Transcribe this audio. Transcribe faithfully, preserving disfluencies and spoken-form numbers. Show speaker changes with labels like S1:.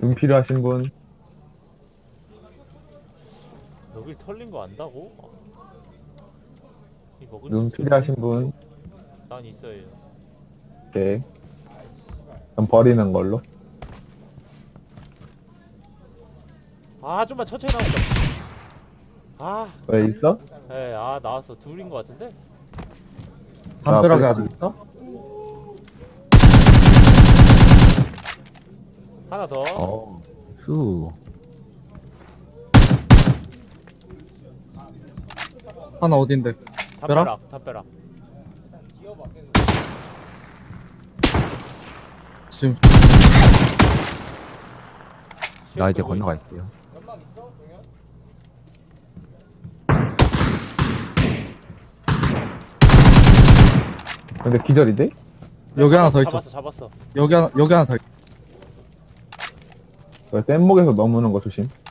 S1: 눈 필요하신 분?
S2: 여길 털린 거 안다고? 이 먹을
S1: 눈
S2: 수 있어?
S1: 필요하신 분?
S2: 난 있어요.
S1: 오케이. 그럼 버리는 걸로.
S2: 아 좀만 천천히 나온다. 아,
S1: 왜 있어?
S2: 에, 아 나왔어. 둘인 거 같은데?
S3: 담벼락에
S1: 아,
S3: 아직 있어?
S2: 하나 더.
S3: 어. 수. 하나 어딘데?
S2: 담벼락, 담벼락.
S3: 지금
S4: 나 이제
S2: 끌고
S4: 건너갈게요.
S1: 근데 기절인데?
S2: 있어.
S3: 여기 하나
S2: 잡았어,
S3: 더 있어.
S2: 잡았어, 잡았어.
S3: 여기 하나 여기 하나 더 있어.
S1: 뗏목에서 넘는 거 조심.